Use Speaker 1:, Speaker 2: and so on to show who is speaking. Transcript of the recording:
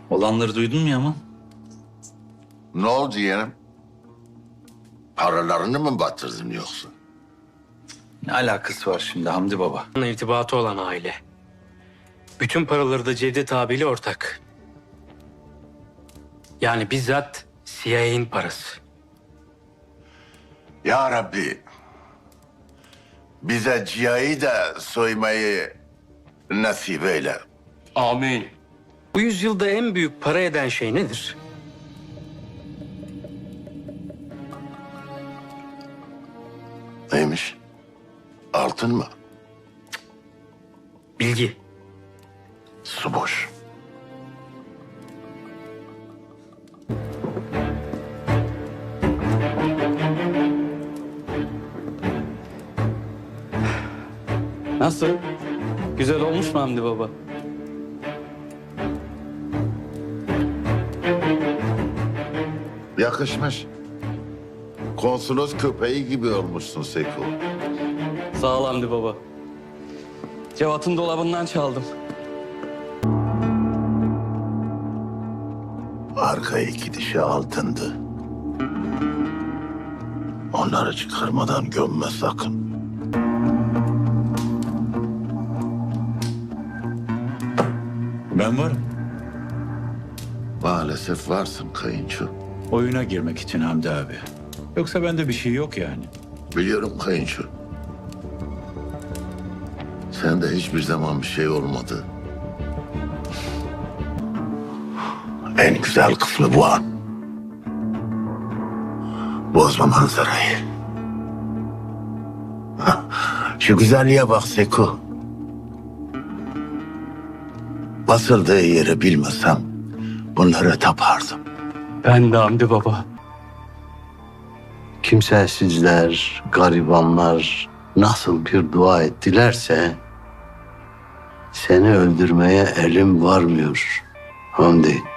Speaker 1: Olanları duydun mu Yaman?
Speaker 2: Ne oldu yeğenim? Paralarını mı batırdın yoksa?
Speaker 1: Ne alakası var şimdi Hamdi Baba?
Speaker 3: İrtibatı olan aile. Bütün paraları da Cevdet abiyle ortak. Yani bizzat CIA'nin parası.
Speaker 2: Ya Rabbi, bize cihayı da soymayı nasip eyle.
Speaker 4: Amin.
Speaker 3: Bu yüzyılda en büyük para eden şey nedir?
Speaker 2: Neymiş? Altın mı?
Speaker 3: Bilgi.
Speaker 2: Su boş.
Speaker 5: Nasıl? Güzel olmuş mu Hamdi Baba?
Speaker 2: Yakışmış. Konsolos köpeği gibi olmuşsun Seko.
Speaker 5: Sağ ol Hamdi Baba. Cevat'ın dolabından çaldım.
Speaker 2: Arka iki dişi altındı. Onları çıkarmadan gömme sakın.
Speaker 6: Ben varım.
Speaker 2: Maalesef varsın kayınço.
Speaker 6: Oyuna girmek için Hamdi abi. Yoksa bende bir şey yok yani.
Speaker 2: Biliyorum kayınço. Sende hiçbir zaman bir şey olmadı. En güzel kısmı bu an. Bozma manzarayı. Şu güzelliğe bak Seko. Basıldığı yeri bilmesem bunlara tapardım.
Speaker 5: Ben de Hamdi Baba.
Speaker 7: Kimsesizler, garibanlar nasıl bir dua ettilerse seni öldürmeye elim varmıyor Hamdi.